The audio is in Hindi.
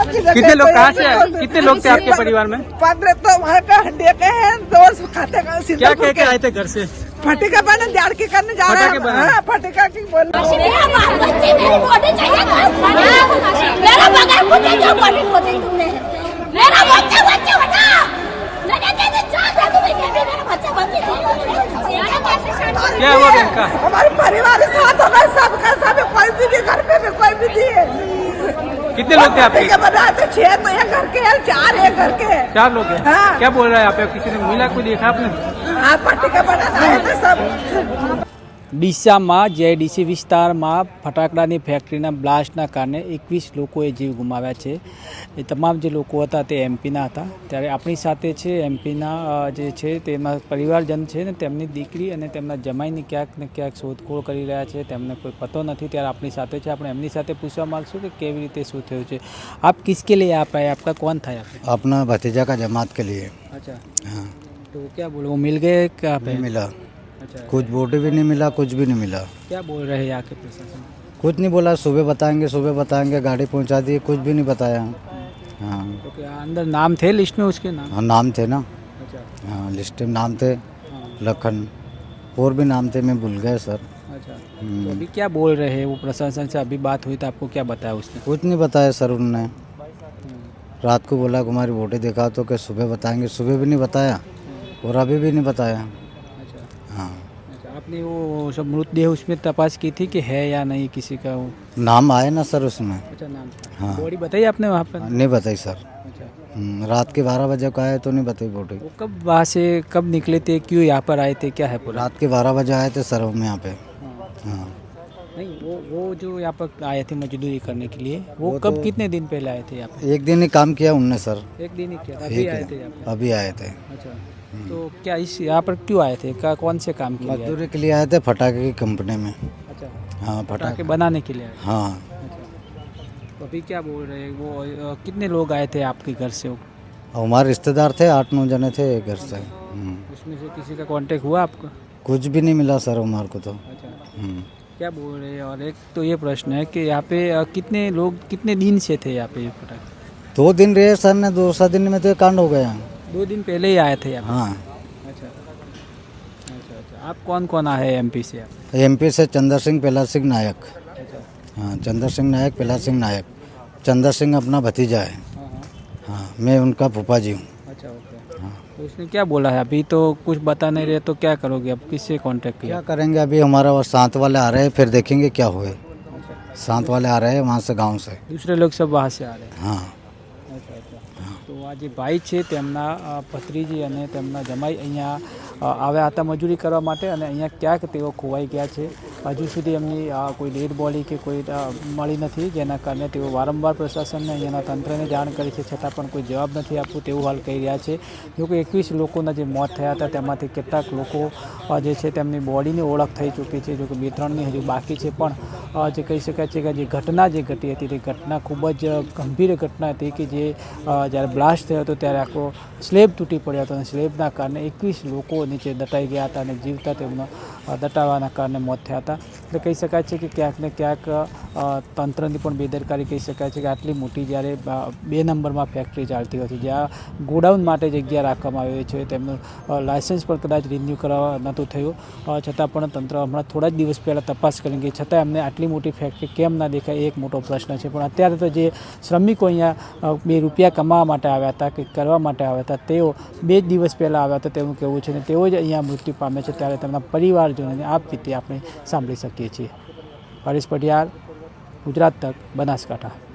कितने लोग कहाँ से आए? कितने लोग थे आपके परिवार में? 15 तो हमारे का हड्डी के हैं, 2 खाते का क्या कह के आए थे घर से? फटिका बना जाड़ के करने जा रहे फटाके बनाने? हैं। फटिका की बोल क्या हुआ इनका? हमारे परिवार के साथ होगा, सबका सब, कोई भी नहीं घर पे भी कोई भी नहीं है। कितने लोग थे आपके? फटिका बना तो 6 तो एक घर के हैं, 4 एक घर के हैं। 4 लोग हैं। हाँ। क्या बोल रहा है आप? किसी ने मिला, कोई देखा आपने? हाँ, फटिका बनाना है तो सब। ડીસામાં જેડીસી વિસ્તારમાં ફટાકડાની ફેક્ટરીના બ્લાસ્ટના કારણે 21 લોકોએ જીવ ગુમાવ્યા છે। એ તમામ જે લોકો હતા તે એમપીના હતા। ત્યારે આપણી સાથે છે એમપીના જે છે તેમાં પરિવારજન છે ને તેમની દીકરી અને તેમના જમાઈની ક્યાંક ને ક્યાંક શોધખોળ કરી રહ્યા છે, તેમને કોઈ પતો નથી। ત્યારે આપણી સાથે છે, આપણે એમની સાથે પૂછવા માગશું કે કેવી રીતે શું થયું છે। આપ કિસકે लिए आप आए? आपका कौन था यहाँ पे? अपना भतीजा का जमात के लिए। अच्छा, हाँ, तो क्या बोलो, वो मिल गए क्या पे? नहीं मिला, अच्छा, कुछ बॉडी भी नहीं मिला, कुछ भी नहीं मिला। क्या बोल रहे हैं यहाँ के प्रशासन? कुछ नहीं बोला, सुबह बताएंगे, गाड़ी पहुंचा दी, कुछ भी नहीं बताया। हाँ, तो क्या अंदर नाम थे लिस्ट में उसके नाम? हाँ नाम थे ना। अच्छा, हाँ, लिस्ट में नाम थे, हाँ, लखन, और भी नाम थे, मैं भूल गया सर। अच्छा। तो अभी क्या बोल रहे हैं वो प्रशासन से? अभी बात हुई तो आपको क्या बताया उसने? कुछ नहीं बताया सर उन्होंने। रात को बोला कि हमारी बॉडी दिखा तो कि सुबह बताएंगे, सुबह भी नहीं बताया और अभी भी नहीं बताया। अच्छा, हाँ, अच्छा। आपने वो सब मृतदेह उसमें तपास की थी कि है या नहीं किसी का वो? नाम आए ना सर उसमें। अच्छा, नाम था। हाँ। बॉडी बताई आपने वहाँ पर? नहीं बताई सर। अच्छा, रात के 12 बजे को आए तो नहीं बताई बॉडी। वो कब वहाँ से कब निकले थे, क्यों यहाँ पर आए थे, क्या है पूरा? रात के 12 बजे आए थे सर हम यहाँ पे। हाँ। हाँ, नहीं, वो जो यहाँ पर आए थे मजदूरी करने के लिए, वो वो कब तो- कितने दिन पहले आए थे यहाँ पे? एक दिन ही काम किया उनने सर। एक दिन ही किया था, अभी एक आए दिन। थे यहाँ पे? अभी आए थे। अच्छा, तो क्या इस यहाँ पर क्यों आए थे, कौन से काम के लिए आए थे? मजदूरी के लिए आए थे फटाके की कंपनी में। अच्छा, हाँ, पटाखे फटाके। बनाने के लिए आए थे। हाँ, अच्छा, तो अभी क्या बोल रहे हैं वो? कितने लोग आए थे आपके घर से? हमारे रिश्तेदार थे, 8-9 जने थे एक घर से। उसमें से किसी का कांटेक्ट हुआ आपको? कुछ भी नहीं मिला सर हमारे को तो। अच्छा, हम्म। क्या बोल रहे हैं? और एक तो ये प्रश्न है कि यहाँ पे कितने लोग कितने दिन से थे यहाँ पे ये पटाखे? 2 दिन रहे सर ने, 2 दिन में तो ये कांड हो गया। 2 दिन पहले ही आए थे यहाँ हाँ, पे? अच्छा, अच्छा, अच्छा। आप कौन कौन आए एमपी से आप? एमपी से चंद्र सिंह, प्रहलाद सिंह नायक। अच्छा, हाँ, चंद्र सिंह नायक, प्रहलाद सिंह नायक। चंद्र सिंह अपना भतीजा है। हाँ, हाँ, हाँ, मैं उनका फूफा जी हूँ। अच्छा, ओके। हाँ। तो उसने क्या बोला है? अभी तो कुछ बता नहीं रहे, तो क्या करोगे अब? किससे कांटेक्ट किया? क्या करेंगे अभी? हमारा वो साथ वाले आ रहे हैं, फिर देखेंगे क्या हुए। अच्छा, साथ वाले आ रहे हैं वहाँ से, गांव से। दूसरे लोग सब वहाँ से आ रहे हैं? हाँ, અચ્છા, અચ્છા। તો આ જે ભાઈ છે તેમના ભત્રીજી અને તેમના જમાઈ અહીંયા આવ્યા હતા મજૂરી કરવા માટે, અને અહીંયા ક્યાંક તેઓ ખોવાઈ ગયા છે। હજુ સુધી એમની કોઈ ડેડ બોડી કે કોઈ મળી નથી, જેના કારણે તેઓ વારંવાર પ્રશાસનને અહીંયાના તંત્રને જાણ કરી છે, છતાં પણ કોઈ જવાબ નથી આપવું તેવું હાલ કહી રહ્યા છે। જો કે 21 લોકોના જે મોત થયા હતા તેમાંથી કેટલાક લોકો જે છે તેમની બોડીની ઓળખ થઈ ચૂકી છે, જો કે 2-3ની હજુ બાકી છે। પણ જે કહી શકાય છે કે જે ઘટના જે ઘટી હતી તે ઘટના ખૂબ જ ગંભીર ઘટના હતી કે જે જ્યારે બ્લાસ્ટ થયો હતો ત્યારે આખો સ્લેબ તૂટી પડ્યો હતો, અને સ્લેબના કારણે 21 લોકો નીચે દટાઈ ગયા હતા, અને જીવતા તેમનો દટાવાના કારણે મોત થયા હતા। એટલે કહી શકાય છે કે ક્યાંક ને ક્યાંક તંત્રની પણ બેદરકારી કહી શકાય છે કે આટલી મોટી જ્યારે 2 નંબરમાં ફેક્ટરી ચાલતી હોય છે, જ્યાં ગોડાઉન માટે જગ્યા રાખવામાં આવી છે, તેમનું લાયસન્સ પણ કદાચ રિન્યૂ કરવા નહોતું થયું, છતાં પણ તંત્ર હમણાં થોડા જ દિવસ પહેલાં તપાસ કરી ગઈ, છતાં એમને આટલી મોટી ફેક્ટરી કેમ ના દેખાય એ એક મોટો પ્રશ્ન છે। પણ અત્યારે તો જે શ્રમિકો અહીંયા 2 રૂપિયા કમાવા માટે આવ્યા હતા, કંઈક કરવા માટે આવ્યા હતા, તેઓ 2 જ દિવસ પહેલાં આવ્યા હતા તેવું કહેવું છે, અને તેઓ જ અહીંયા મૃત્યુ પામે છે। ત્યારે તેમના પરિવારજનોને આ રીતે આપણે સાંભળી શકીએ છીએ। હરીશ પટિયાર, ગુજરાત તક, બનાસકાંઠા।